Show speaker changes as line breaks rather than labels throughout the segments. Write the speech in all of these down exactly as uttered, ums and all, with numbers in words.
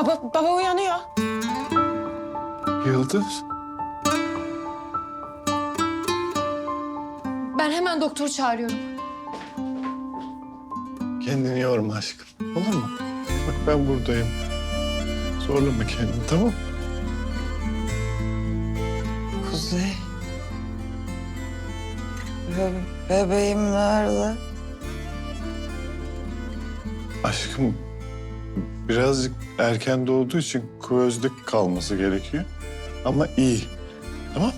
Baba, baba uyanıyor.
Yıldız.
Ben hemen doktor çağırıyorum.
Kendini yorma aşkım. Olur mu? Bak ben buradayım. Zorlama kendini, tamam mı?
Kuzey. Be bebeğim nerede?
Aşkım birazcık erken doğduğu için kuvözde kalması gerekiyor. Ama iyi. Tamam?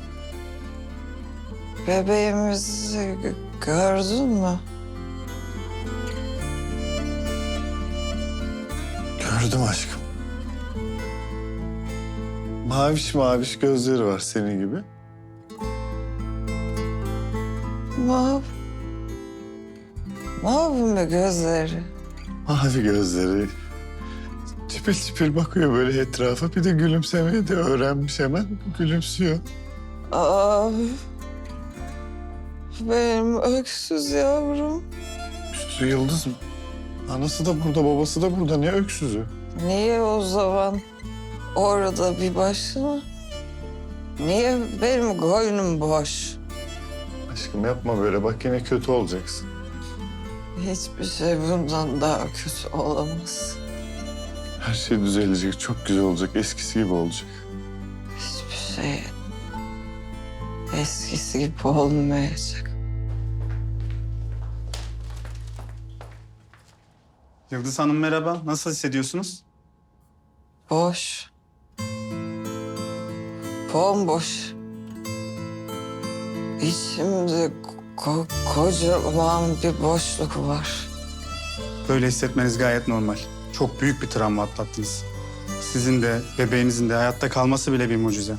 Bebeğimizi gördün mü?
Gördüm aşkım. Maviş maviş gözleri var senin gibi.
Mav. Mavi mi gözleri?
Mavi gözleri. Çipil çipil bakıyor böyle etrafa. Bir de gülümsemeyi de öğrenmiş hemen. Gülümsüyor.
Aa, benim öksüz yavrum.
Öksüzü Yıldız mı? Anası da burada, babası da burada. Ne öksüzü?
Niye o zaman orada bir başına? Niye benim koynum boş?
Aşkım yapma böyle. Bak yine kötü olacaksın.
Hiçbir şey bundan daha kötü olamaz.
Her şey düzelecek. Çok güzel olacak. Eskisi gibi olacak.
Hiçbir şey eskisi gibi olmayacak.
Yıldız Hanım merhaba. Nasıl hissediyorsunuz?
Boş. Bomboş. İçimde ko kocaman bir boşluk var.
Böyle hissetmeniz gayet normal. Çok büyük bir travma atlattınız. Sizin de bebeğinizin de hayatta kalması bile bir mucize.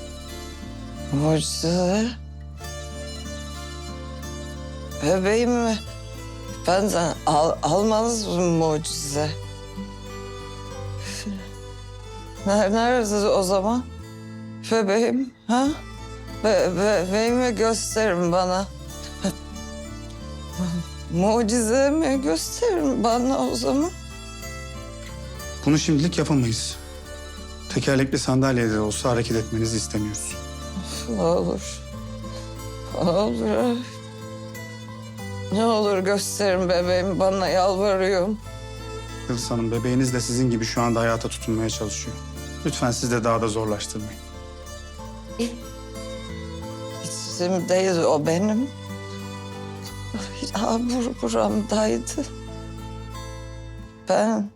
Mucize. Bebeğimi benden al almanız mı mucize? Ner- Nerede o zaman? Bebeğim, ha? Be bebeğimi gösterin bana. Mucizemi gösterin bana o zaman.
Bunu şimdilik yapamayız. Tekerlekli sandalyede de olsa hareket etmenizi istemiyoruz.
Ne olur. Ne olur. Ne olur gösterin bebeğimi bana, yalvarıyorum.
Yıldız Hanım bebeğiniz de sizin gibi şu anda hayata tutunmaya çalışıyor. Lütfen siz de daha da zorlaştırmayın.
İçimdeydi o benim. Ya bur buramdaydı. Ben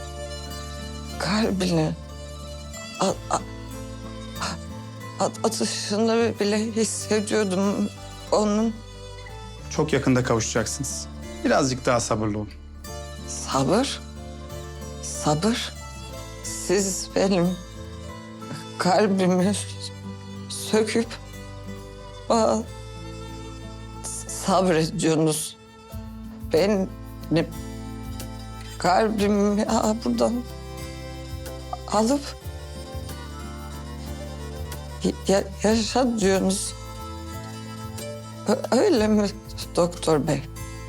kalbini at, at, at, atışını bile hissediyordum onun.
Çok yakında kavuşacaksınız. Birazcık daha sabırlı olun.
Sabır, sabır. Siz benim kalbimi söküp bana sabrediyorsunuz. Benim kalbimi ya buradan alıp ya, yaşa diyorsunuz. Ö- Öyle mi doktor bey?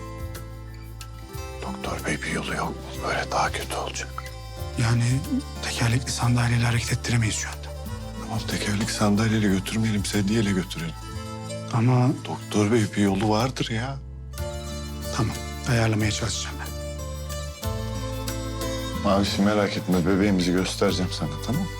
Doktor bey bir yolu yok. Böyle daha kötü olacak.
Yani tekerlekli sandalyeyle hareket ettiremeyiz şu anda.
Ama tekerlek sandalyeyle götürmeyelim. Sedyeyle götürelim.
Ama
Doktor bey bir yolu vardır ya.
tamam, ayarlamaya çalışacağım ben.
Mavişi merak etme. Bebeğimizi göstereceğim sana, tamam mı?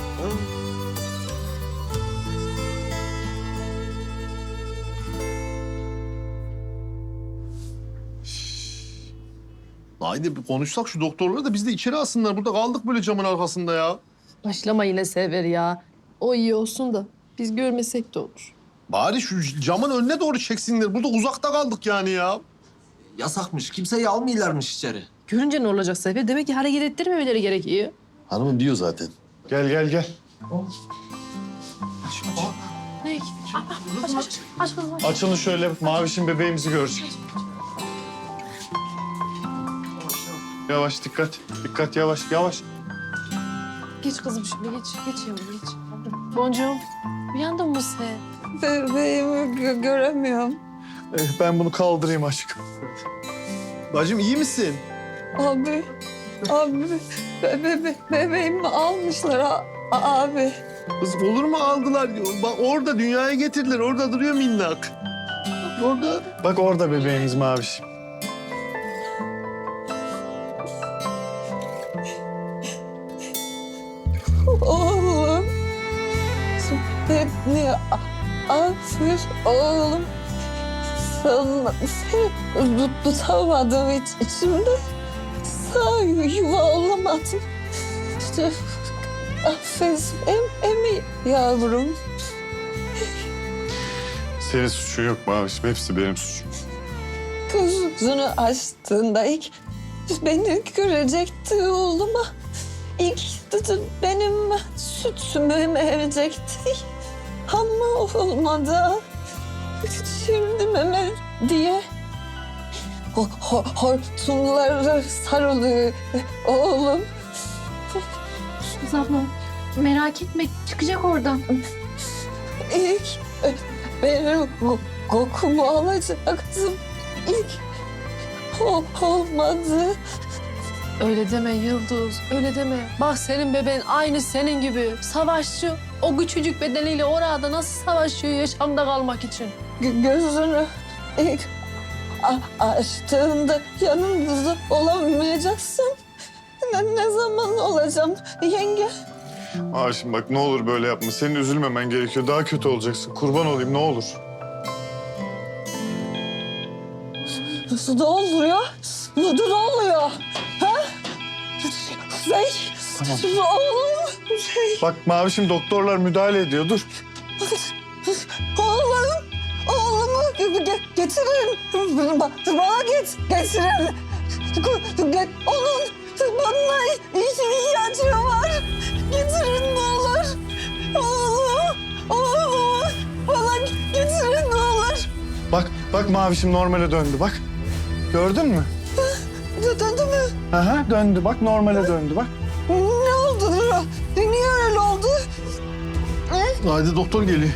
Haydi bir konuşsak şu doktorları da biz de içeri alsınlar. Burada kaldık böyle camın arkasında ya.
Başlama yine Sever ya. O iyi olsun da biz görmesek de olur.
Bari şu camın önüne doğru çeksinler. Burada uzakta kaldık yani ya.
Yasakmış. Kimseyi almıyorlarmış içeri.
Görünce ne olacak Sefer? Demek ki hareket ettirmemeleri gerekiyor.
Hanımım diyor zaten.
Gel gel gel.
Ne? Aç aç aç. Aç kızım aç.
Açılın şöyle. Mavişin bebeğimizi görecek. Yavaş dikkat. Dikkat yavaş yavaş.
Geç kızım şimdi geç. Geç yavrum geç. Boncuğum uyandın mı sen?
Bebeğimi gö- göremiyorum.
Eh, ben bunu kaldırayım aşkım.
Bacım iyi misin?
Abi, Abi be, be, be, bebeğimi almışlar a- a- abi.
Kızım olur mu aldılar? Bak orada dünyaya getirdiler. Orada duruyor minnak. Orada.
Bak orada bebeğiniz Mavişim.
Oğlum. Beni affır oğlum. Sana seni tutamadım hiç içimde. Sağ yuva olamadım. İşte affet em, emi yavrum.
Senin suçun yok Mavişim. Hepsi benim suçum.
Gözünü açtığında ilk beni görecekti oğluma. İlk dedi benim sütümü emecekti. Ama olmadı. Şimdi meme diye ho, ho, hortumları sarılıyor oğlum.
Kız abla merak etme çıkacak oradan.
İlk benim ko- kokumu alacaktım. İlk o olmadı.
Öyle deme Yıldız, öyle deme. Bak senin bebeğin aynı senin gibi. Savaşçı. O küçücük bedeniyle orada nasıl savaşıyor yaşamda kalmak için?
Gö- gözünü ilk a- açtığında yanımızda olamayacaksın. Ne, ne zaman olacağım yenge?
Mavişim bak ne olur böyle yapma. Senin üzülmemen gerekiyor. Daha kötü olacaksın. Kurban olayım ne olur.
Nasıl da oluyor? Ne ne oluyor? Ha? Şey,
Tamam.
oğlum, şey,
Bak Mavişim doktorlar müdahale ediyor. Dur.
oğlum, oğlumu ge- getirin. Bana, bana get, getirin. Get, onun bana ihtiyacı var. Getirin ne olur. Oğlum, oğlumu bana getirin ne olur.
Bak bak Mavişim normale döndü bak. Gördün mü?
Döndü mü?
Aha döndü bak normale döndü bak.
Ne oldu? Niye öyle oldu?
Haydi doktor geliyor.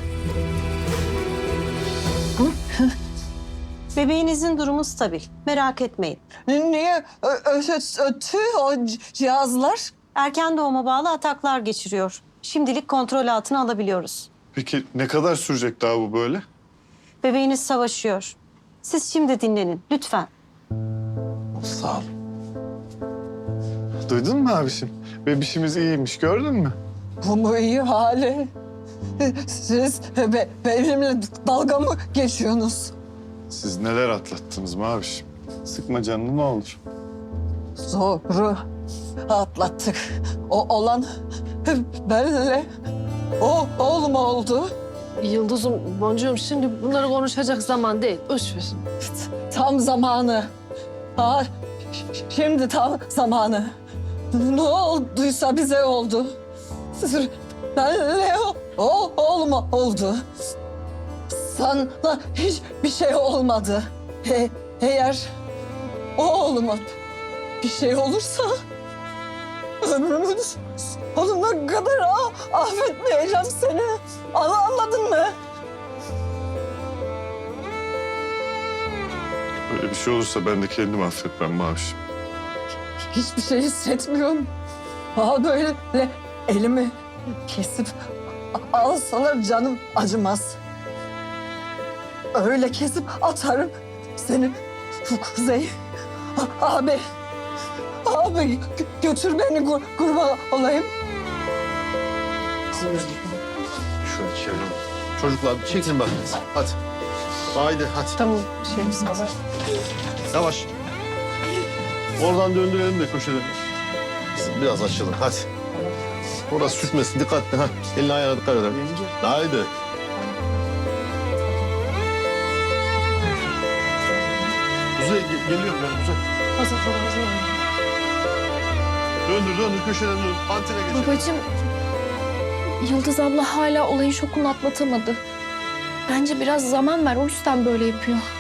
Bebeğinizin durumu stabil. Merak etmeyin.
Niye ö- ö- ötü o cihazlar?
Erken doğuma bağlı ataklar geçiriyor. Şimdilik kontrol altına alabiliyoruz.
Peki ne kadar sürecek daha bu böyle?
Bebeğiniz savaşıyor. Siz şimdi dinlenin lütfen.
Sağ ol.
Duydun mu Mavişim? Bebişimiz iyiymiş gördün mü?
Bu mu iyi hali? Siz be- benimle dalga mı geçiyorsunuz?
Siz neler atlattınız Mavişim? Sıkma canını ne olur.
Zoru atlattık. O olan benle o oğlum oldu.
Yıldız'ım, boncuğum şimdi bunları konuşacak zaman değil. Boş ver.
Tam zamanı. Ha, şimdi tam zamanı. Ne olduysa bize oldu. Benle o, o oğlum oldu. Sana hiçbir şey olmadı. E, eğer oğluma bir şey olursa ömrümün sonuna kadar ah, affetmeyeceğim seni. Anladın mı?
Böyle bir şey olursa ben de kendimi affetmem Mavişim.
Hiçbir şey hissetmiyorum. Aa böyle elimi kesip alsalar canım acımaz. Öyle kesip atarım seni Kuzey. Abi, abi gö- götür beni kur- kurban olayım.
Şöyle çevirelim. Çocuklar çekin bakın. Hadi. Haydi hadi.
Tamam, şey misin?
Yavaş. Oradan döndürelim de köşeden. Biraz açalım hadi. Orası sürtmesin dikkatli ha. Elini ayağına dikkat edelim. Haydi. Kuzey ge- geliyorum ben Kuzey.
Hazır falan hazır.
Döndür döndür köşeden döndür. Antene geçelim.
Babacığım, Yıldız abla hala olayın şokunu atlatamadı. Bence biraz zaman ver, o yüzden böyle yapıyor.